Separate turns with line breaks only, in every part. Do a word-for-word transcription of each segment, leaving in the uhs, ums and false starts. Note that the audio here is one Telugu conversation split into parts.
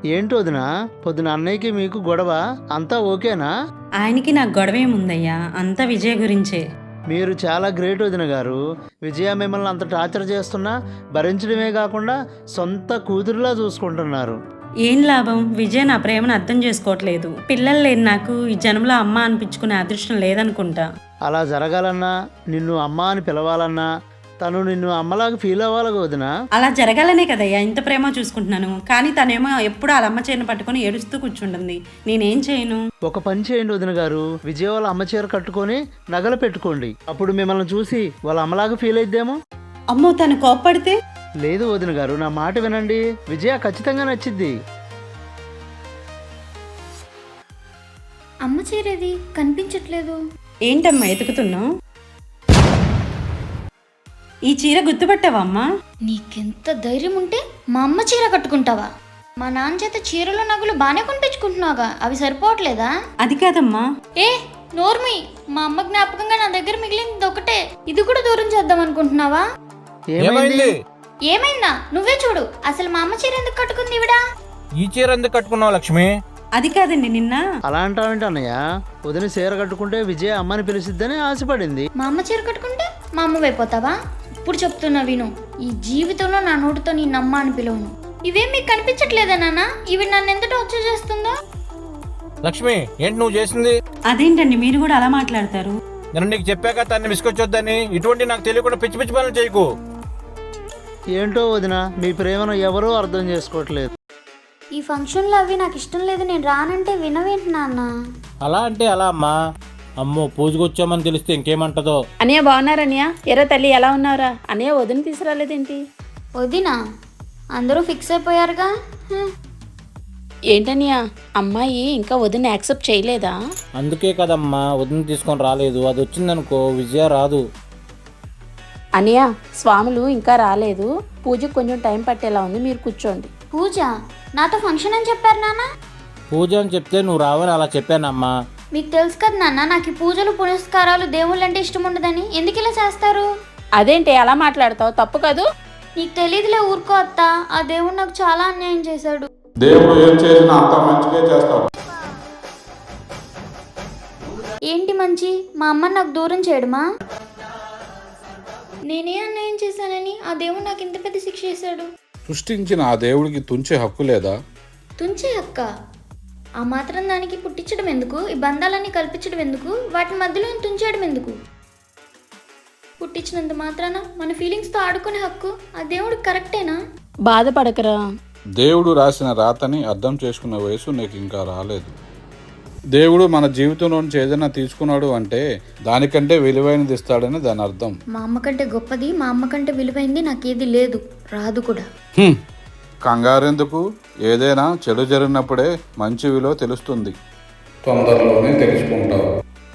ఏంటి వదిన, పొద్దున అన్నయ్యకి మీకు గొడవ, అంతా ఓకేనా?
ఆయనకి నాకు గొడవేముందయ్యా, అంతా విజయ్ గురించే.
మీరు చాలా గ్రేట్ వదిన గారు. విజయ మిమ్మల్ని అంత టార్చర్ చేస్తున్నా భరించడమే కాకుండా సొంత కూతురులా చూసుకుంటున్నారు.
ఏం లాభం, విజయ్ నా ప్రేమను అర్థం చేసుకోవట్లేదు. పిల్లలు లేని నాకు ఈ జన్మలో అమ్మ అనిపించుకునే అదృష్టం లేదనుకుంటా.
అలా జరగాలన్నా, నిన్ను అమ్మ అని పిలవాలన్నా తను నిన్ను అమ్మలాగా ఫీల్ అవ్వాలి వదిన.
అలా జరగాలనే కదయ్యా ఇంత ప్రేమ చూసుకుంటున్నాను. కానీ తనేమో ఎప్పుడు వాళ్ళ అమ్మ చీరను పట్టుకొని ఏడుస్తూ కూర్చుంటుంది. నేనేం చేయను?
ఒక పని చేయండి వదిన గారు, విజయ వాళ్ళ అమ్మ చీర కట్టుకొని నగలు పెట్టుకోండి. అప్పుడు మిమ్మల్ని చూసి వాళ్ళ అమ్మలాగా ఫీల్ అయిద్దేమో.
అమ్మో, తను కోప్పడితే?
లేదు వదిన గారు, నా మాట వినండి, విజయ ఖచ్చితంగా నచ్చిద్ది.
అమ్మ చీరేది కనిపించట్లేదు.
ఏంటమ్మా ఎతుకుతున్నావు? ఈ చీర గుర్తుపట్టావా అమ్మా?
నీకెంత ధైర్యం ఉంటే మా అమ్మ చీర కట్టుకుంటావా? మా నాన్న చేత చీరలు నగలు బాగానే కొనిపించుకుంటున్నావుగా, అవి సరిపోవట్లేదా?
అది కాదమ్మా.
ఏ నోర్మి, మా అమ్మ జ్ఞాపకంగా నా దగ్గర మిగిలింది ఒకటే, ఇది కూడా దూరం చేద్దాం అనుకుంటున్నావా?
ఏమైంది?
ఏమైందా? నువ్వే చూడు, అసలు మా అమ్మ చీర ఎందుకు కట్టుకుంది ఇవిడా?
ఈ చీర ఎందుకు కట్టుకున్నావు లక్ష్మి?
అది కాదండి, నిన్న.
అలా అంటావేంటి అన్నయ్య? వదిన చీర కట్టుకుంటే విజయ అమ్మని పిలిచిద్దని ఆశపడింది.
మా అమ్మ చీర కట్టుకుంటే మా అమ్మ అయిపోతావా? ఇప్పుడు చెప్తున్నా విను, ఈ జీవితంలో నా నోటితో నీ నమ్మ అని పిలవను. ఇవేం మీకు కనిపించట్లేదా నాన్న? ఇవి నన్ను ఎంత టార్చర్ చేస్తుందో.
లక్ష్మి, ఏంటి నువ్వు చేసింది?
అదేంటండి మీరు కూడా అలా మాట్లాడతారు?
నేను నీకు చెప్పాక తన్ని విసుకొచ్చొద్దని. ఇటువంటి నాకు తెలియకుండా పిచ్చి పిచ్చి పనులు చేయకు.
ఏంటో వదిన, మీ ప్రేమను ఎవరూ అర్థం చేసుకోవట్లేదు.
ఈ ఫంక్షన్లో అవి నాకు ఇష్టం లేదు, నేను రానంటే వినవేంటి నాన్న?
అలా అంటే అలా అమ్మా. అమ్మో, పూజకు వచ్చామని తెలిస్తే ఇంకేమంటదో.
అన్నయ్య బాగున్నారన్నయ్య? ఎరా తల్లి ఎలా ఉన్నారా? అన్నయ్య వదిన తీసుకురాలేదేంటి?
వదినా అందరూ ఫిక్స్ అయిపోయారుగా.
ఏంటన్నయ్య, అమ్మాయి ఇంకా వదిన యాక్సెప్ట్ చేయలేదా?
అందుకే కదమ్మా వదిన తీసుకొని రాలేదు. అది వచ్చిందనుకో విజయ రాదు.
అన్నయ్య, స్వాములు ఇంకా రాలేదు, పూజకు కొంచెం టైం పట్టేలా ఉంది, మీరు కూర్చోండి.
పూజ? నాతో ఫంక్షన్ అని చెప్పారు నాన్న.
పూజ అని చెప్తే నువ్వు రావని అలా చెప్పానమ్మా.
మీకు తెలుసు కదా నాన్న, నాకు ఈ పూజలు పునస్కారాలు దేవుళ్ళు అంటే ఇష్టం ఉండదని. ఎందుకు ఇలా చేస్తారు?
అదేంటి అలా మాట్లాడతావు? తప్పు కాదు.
నీకు తెలియదులే, ఊరుకో అత్త. ఆ దేవుడు నాకు చాలా అన్యాయం చేశాడు.
దేవుడు ఏం చేసినా అంత మంచిగా చేస్తాడు.
ఏంటి మంచి? మా అమ్మని నాకు దూరం చేయడమా? నేనే అన్యాయం చేశానని ఆ దేవుడు నాకు ఇంత పెద్ద శిక్ష చేశాడు.
సృష్టించిన ఆ దేవుడికి తుంచే హక్కు లేదా?
తుంచే అక్క? ఆ మాత్రం దానికి పుట్టించడం ఎందుకు? ఈ బంధాలన్నీ కల్పించడం ఎందుకు? వాటి మధ్యలో తుంచేయడం ఎందుకు? పుట్టించినంత మాత్రాన మన ఫీలింగ్స్తో ఆడుకునే హక్కు ఆ దేవుడికి కరెక్టేనా?
బాధపడకరా.
దేవుడు రాసిన రాతని అర్థం చేసుకునే వయసు నీకు ఇంకా రాలేదు. దేవుడు మన జీవితంలో నుంచి ఏదైనా తీసుకున్నాడు అంటే దానికంటే విలువైనది ఇస్తాడని దాని అర్థం.
మా అమ్మ కంటే గొప్పది, మా అమ్మ కంటే విలువైంది నాకేది లేదు, రాదు కూడా.
కంగారెందుకు? ఏదైనా చెడు జరిగినప్పుడే మంచి విలువ తెలుస్తుంది. తొందరలోనే తెలుసుకుంటావు.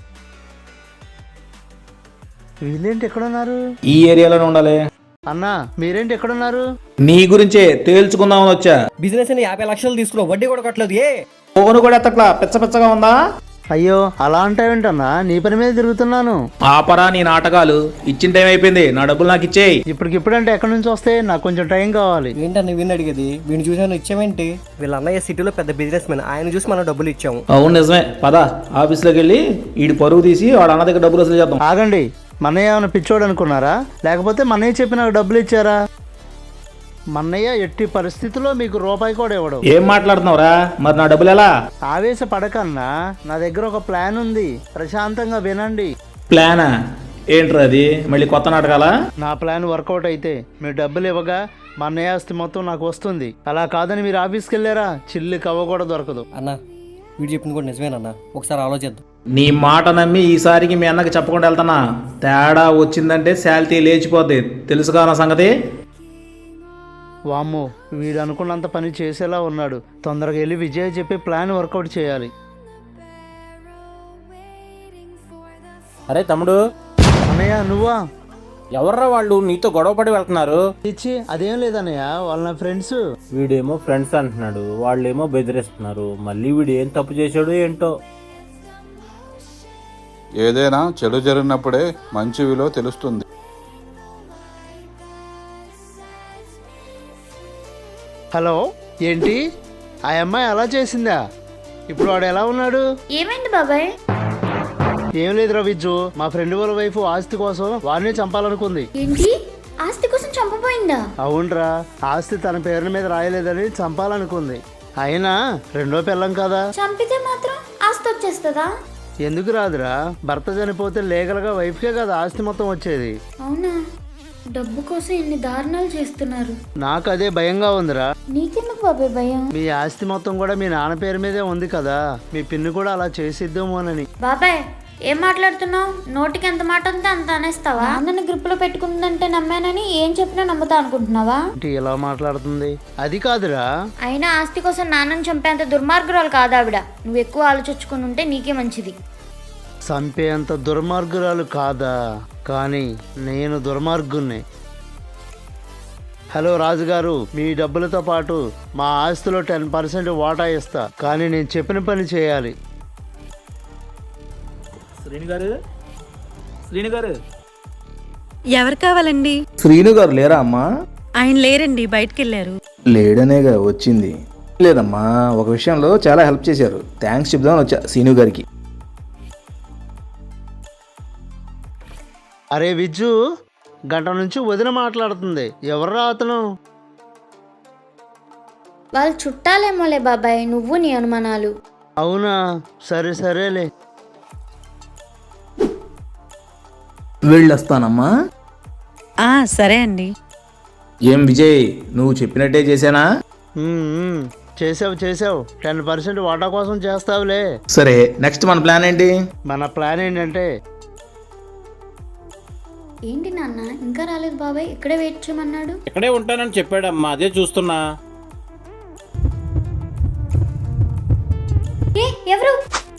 వీళ్ళేంటి ఎక్కడున్నారు?
ఈ ఏరియాలోనే ఉండాలి.
అన్నా మీరేంటి ఎక్కడున్నారు?
నీ గురించే తేల్చుకుందామని వచ్చా.
బిజినెస్ అని యాభై లక్షలు తీసుకున్నావు, వడ్డీ కూడా కట్టలేదు. ఏ
ఫోన్ కూడా ఎత్తట్లా, పిచ్చ పిచ్చగా ఉందా?
అయ్యో అలా అంటావేంటన్నా, నీ పని మీద తిరుగుతున్నాను.
ఆపరా నీ నాటకాలు, ఇచ్చిన టైం అయిపోయింది, నా డబ్బులు నాకు ఇచ్చేయి.
ఇప్పటికిప్పుడంటే ఎక్కడి నుంచి వస్తాయి? నాకు కొంచెం టైం కావాలి.
ఏంటన్నా వీడిని అడిగేది? వీడిని చూసాను ఇచ్చామేంటి? వీళ్ళ అన్నయ్య సిటీలో పెద్ద బిజినెస్ మ్యాన్, ఆయన చూసి మనం డబ్బులు ఇచ్చాము.
అవును నిజమే, పద ఆఫీస్లోకి వెళ్ళి ఈడి పరుగు తీసి వాడు అన్న దగ్గర డబ్బులు వసూలు చేద్దాం.
ఆగండి, మన్నయ్య ఏమైనా పిచ్చోడు అనుకున్నారా? లేకపోతే మన్నయ్య చెప్పి నాకు డబ్బులు ఇచ్చారా? మన్నయ్య ఎట్టి పరిస్థితుల్లో మీకు రూపాయి కూడా ఇవ్వడు.
ఏం మాట్లాడుతున్నావురా? మరి నా డబ్బులు ఎలా?
ఆవేశ పడకన్నా, నా దగ్గర ఒక ప్లాన్ ఉంది, ప్రశాంతంగా వినండి.
ప్లానా? ఏంట్రా అది? మళ్ళీ కొత్త నాటకాలా?
నా ప్లాన్ వర్కౌట్ అయితే మీరు డబ్బులు ఇవ్వగా మా అన్నయ్య ఆస్తి మొత్తం నాకు వస్తుంది. అలా కాదని మీరు ఆఫీస్కి వెళ్ళారా, చిల్లి కవ్వ కూడా దొరకదు.
అన్న వీడు చెప్పింది కూడా నిజమేనన్నా, ఒకసారి ఆలోచిద్దాం.
నీ మాట నమ్మి ఈసారికి మీ అన్నకి చెప్పకుండా వెళ్తానా? తేడా వచ్చిందంటే శాలిటీ లేచిపోద్ది, తెలుసుగా నా సంగతి.
వామ్మో, వీడు అనుకున్నంత పని చేసేలా ఉన్నాడు. తొందరగా వెళ్ళి విజయ్ చెప్పి ప్లాన్ వర్కౌట్ చేయాలి.
అరే తమ్ముడు.
అన్నయ్య నువ్వా?
ఎవర్రా వాళ్ళు నీతో గొడవపడి వెళ్తున్నారు?
ఇచ్చి అదేం లేదన్నయ్య, వాళ్ళ నా ఫ్రెండ్స్.
వీడేమో ఫ్రెండ్స్ అంటున్నాడు, వాళ్ళేమో బెదిరిస్తున్నారు. మళ్ళీ వీడు ఏం తప్పు చేశాడు ఏంటో.
ఏదైనా చెడు జరిగినప్పుడే మంచి విలువ తెలుస్తుంది.
హలో, ఏంటి ఆ అమ్మాయి అలా చేసిందా? ఇప్పుడు వాడు ఎలా ఉన్నాడు?
ఏమైంది బాబాయ్?
ఏం లేదు రవిజ్జు, మా ఫ్రెండ్ వాళ్ళ వైఫ్ ఆస్తి కోసం వాడిని చంపాలనుకుంది.
ఏంటి, ఆస్తి కోసం చంపబోయిందా?
అవునరా, ఆస్తి తన పేరు మీద రాయలేదని చంపాలనుకుంది. అయినా రెండో పిల్లం కదా,
చంపితే మాత్రం ఆస్తి వచ్చేస్తుందా?
ఎందుకు రాదురా? భర్త చనిపోతే లీగల్గా వైఫ్కే కదా ఆస్తి మొత్తం వచ్చేది.
అవునా? డబ్బు కోసం ఎన్ని దారుణాలు చేస్తున్నారు.
నాకు అదే భయంగా ఉందిరా.
నీకెందుకు బాబాయ్ భయం?
మీ ఆస్తి మొత్తం కూడా మీ నాన్న పేరు మీదే ఉంది కదా, మీ పిన్ని కూడా అలా చేసిద్దామోనని.
బాబాయ్ ఏం మాట్లాడుతున్నావు? నోటికి ఎంత మాట ఉంటే అంత అనేస్తావా? నాన్నని గ్రిప్పులో పెట్టుకుందంటే నమ్మానని ఏం చెప్పినా నమ్ముతా అనుకుంటున్నావా?
ఏంటి ఇలా మాట్లాడుతుంది? అది కాదురా.
అయినా ఆస్తి కోసం నాన్నని చంపేంత దుర్మార్గురాలు కాదు ఆవిడ. నువ్వు ఎక్కువ ఆలోచించుకుని ఉంటే నీకే మంచిది.
చంపేంత దుర్మార్గురాలు కాదా? కానీ నేను దుర్మార్గుణ్ణి. హలో రాజుగారు, మీ డబ్బులతో పాటు మా ఆస్తిలో టెన్ పర్సెంట్ వాటా ఇస్తా, కానీ నేను చెప్పిన పని చేయాలి.
శ్రీను గారు, శ్రీను గారు,
ఎవరు కావాలండి?
శ్రీను గారు లేరా అమ్మా?
ఆయన లేరండి, బయటికి వెళ్ళారు.
లేడనేగా వచ్చింది. లేదమ్మా, ఒక విషయంలో చాలా హెల్ప్ చేశారు, థ్యాంక్స్ చెప్దామని వచ్చా శ్రీను గారికి.
అరే విజ్జు, గంట నుంచి వదిన మాట్లాడుతుంది. ఎవర్రా అతను?
వాళ్ళు చుట్టాలేమోలే బాబాయ్, నువ్వు నీ అనుమానాలు.
అవునా, సరే సరేలే.
వెళ్ళొస్తానమ్మా.
ఆ సరే అండి.
ఏం విజయ్, నువ్వు చెప్పినట్టే చేశానా?
ఉమ్, ఉమ్, చేసావు చేసావు టెన్ పర్సెంట్ వాటా కోసం చేస్తావులే.
సరే, నెక్స్ట్ మన ప్లాన్ ఏంటి?
మన ప్లాన్ ఏంటంటే,
ఏంటి నాన్న ఇంకా రాలేదు బాబాయ్? ఇక్కడే వెయిట్ చేయమన్నాడు.
ఇక్కడే ఉంటానని చెప్పాడమ్మా, అదే చూస్తున్నా.
ఏ ఎవరు?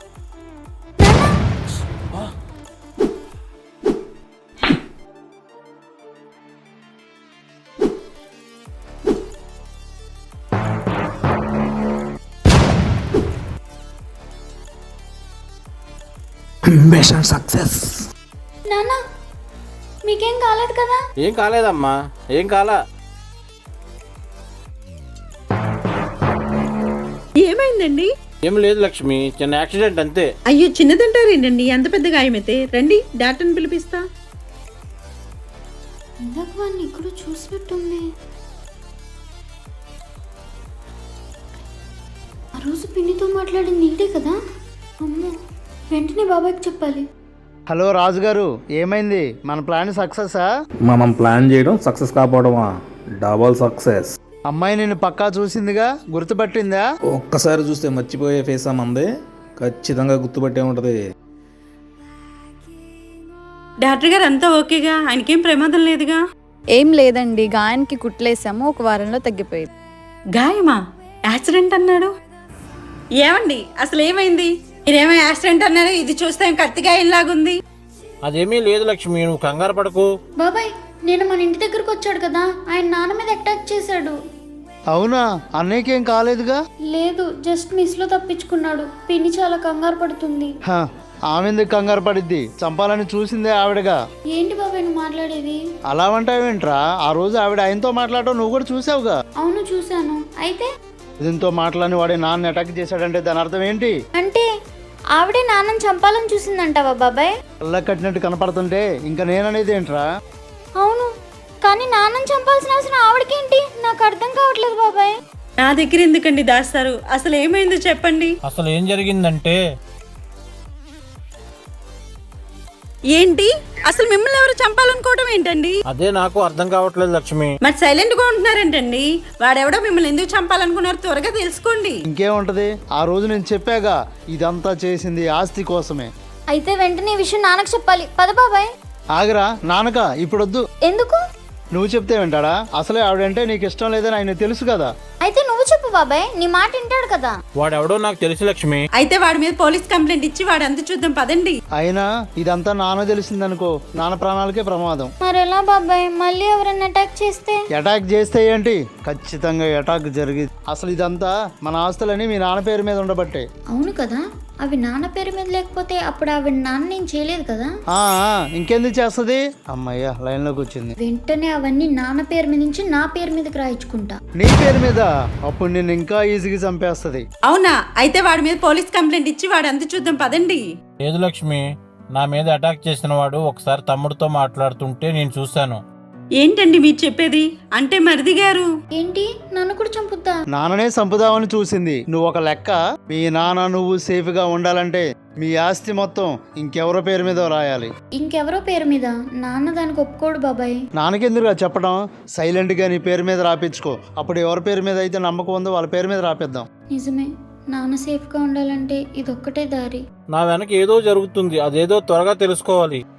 Mission success.
నాన్న మీకేం కాలేదు కదా?
ఏం కాలేదమ్మా, ఏం కాలా.
ఏమైందండి?
ఏం లేదు లక్ష్మి, చిన్న యాక్సిడెంట్ అంతే.
అయ్యో, చిన్నదంటారేంటండి? ఎంత పెద్ద గాయమైతే. రండి, డాక్టర్ని పిలిపిస్తా.
ఇందాక వాడిని ఇక్కడ చూసినట్టుంది. ఆ రోజు పిన్నితో మాట్లాడింది నీడే కదా? అమ్మో, వెంటనే బాబాయ్కి చెప్పాలి.
హలో రాజుగారు, ఏమైంది? మన ప్లాన్ సక్సెసా?
మనం ప్లాన్ చేయడం సక్సెస్ కాకపోవడమా? Double success.
అమ్మాయి నిన్ను పక్కా చూసిందిగా, గుర్తుపట్టిందా?
ఒక్కసారి చూస్తే మర్చిపోయే ఫేస్ మంది, ఖచ్చితంగా గుర్తుపట్టే ఉంటది.
డాక్టర్ గారు అంతా ఓకేగా? ఆయనకేం ప్రమాదం లేదుగా?
ఏం లేదండి, గాయానికి కుట్లేసాము, ఒక వారంలో తగ్గిపోయింది.
గాయమా? యాక్సిడెంట్ అన్నాడు. ఏమండి, అసలు ఏమైంది? మీరేమో యాక్సిడెంట్ అన్నారు, ఇది చూస్తే కత్తి గాయంలాగుంది.
అదేమీ లేదు లక్ష్మి, నువ్వు కంగారు పడకు.
బాబాయ్ నేను మన ఇంటి దగ్గరకు వచ్చాడు కదా, ఆయన నాన్న మీద అటాక్ చేశాడు.
అవునా? అన్నయ్యకేం కాలేదుగా?
లేదు, జస్ట్ మిస్ లో తప్పించుకున్నాడు. పిన్ని చాలా కంగారు పడుతుంది.
హ, ఆమె ఎందుకు కంగారు పడిద్ది? చంపాలని చూసిందే ఆవిడగా.
ఏంటి బాబాయ్ నువ్వు మాట్లాడేది?
అలా అంటావేంట్రా? ఆ రోజు ఆవిడ ఆయనతో మాట్లాడటం నువ్వు కూడా చూసావుగా.
అవును చూశాను. అయితే
దీంతో మాట్లాడిన వాడే నాన్న అటాక్ చేశాడంటే దాని అర్థం ఏంటి?
అంటే ఆవిడే నాన్నని చంపాలని చూసిందంటావా బాబాయ్?
కళ్ళ కట్టినట్టు కనపడుతుంటే ఇంకా నేననేది ఏంట్రా?
అవును, కానీ నాన్నని చంపాల్సిన అవసరం ఆవిడకేంటి? నాకు అర్థం కావట్లేదు బాబాయ్.
నా దగ్గర ఎందుకండి దాస్తారు? అసలు ఏమైందో చెప్పండి.
అసలు ఏం జరిగిందంటే,
ఏంటి అసలు మిమ్మల్ని ఎవరు చంపాలనుకోవడం ఏంటండి?
అదే నాకు అర్థం కావట్లేదు లక్ష్మి.
మరి సైలెంట్ గా ఉంటున్నారేంటండి? వాడెవడో మిమ్మల్ని ఎందుకు చంపాలనుకున్నారు? త్వరగా తెలుసుకోండి.
ఇంకేముంటది, ఆ రోజు నేను చెప్పాగా, ఇదంతా చేసింది ఆస్తి కోసమే.
అయితే వెంటనే ఈ విషయం నాన్నకు చెప్పాలి. పద బాబాయ్.
ఆగరా నాన్నక, ఇప్పుడొద్దు.
ఎందుకు?
నువ్వు చెప్తే వింటాడా? అసలే ఆవిడంటే నీకు ఇష్టం లేదని ఆయన తెలుసు కదా.
అయితే నువ్వు చెప్పు బాబాయ్, నీ మాట వింటాడు కదా.
వాడెవడో నాకు తెలుసు లక్ష్మి.
అయితే వాడి మీద పోలీస్ కంప్లైంట్ ఇచ్చి వాడు అంత చూద్దాం, పదండి.
అయినా ఇదంతా నాన్న తెలిసిందనుకో, నాన్న ప్రాణాలకే ప్రమాదం.
మరెలా బాబాయ్? మళ్ళీ ఎవరైనా అటాక్ చేస్తే?
అటాక్ చేస్తే ఏంటి? ఖచ్చితంగా అటాక్ జరిగింది. అసలు ఇదంతా మన ఆస్తులని మీ నాన్న పేరు మీద ఉండబట్టే.
అవును కదా, అవి నాన్న పేరు మీద లేకపోతే అప్పుడు ఆవిడ నాన్న ఏం చేయలేదు కదా.
ఆ, ఆ, ఇంకెందుకు చేస్తుంది? అమ్మయ్య లైన్లోకి వచ్చింది.
వెంటనే అవన్నీ నాన్న పేరు మీద నుంచి నా పేరు మీదకి రాయించుకుంటా.
నీ పేరు మీద అప్పుడు నేను ఇంకా ఈజీగా చంపేస్తుంది.
అవునా? అయితే వాడి మీద పోలీస్ కంప్లైంట్ ఇచ్చి వాడు అంత చూద్దాం పదండి.
లేదు లక్ష్మి, నా మీద అటాక్ చేసిన వాడు ఒకసారి తమ్ముడితో మాట్లాడుతుంటే నేను చూశాను.
ఏంటండి మీరు చెప్పేది? అంటే మరిది గారు
ఏంటి నన్ను కూడా చంపుద్దా?
నాన్ననే చంపుదామని చూసింది. నువ్వు ఒక లెక్క. మీ నాన్న నువ్వు సేఫ్ గా ఉండాలంటే మీ ఆస్తి మొత్తం ఇంకెవరో పేరు మీద రాయాలి.
ఇంకెవరో పేరు మీద? నాన్న దానికి ఒప్పుకోడు బాబాయ్.
నాన్నకెందుకుగా చెప్పడం? సైలెంట్ గా నీ పేరు మీద రాపించుకో. అప్పుడు ఎవరి పేరు మీద అయితే నమ్మకం ఉందో వాళ్ళ పేరు మీద రాపిద్దాం.
నిజమే, నాన్న సేఫ్గా ఉండాలంటే ఇదొక్కటే దారి.
నా వెనక ఏదో జరుగుతుంది, అదేదో త్వరగా తెలుసుకోవాలి.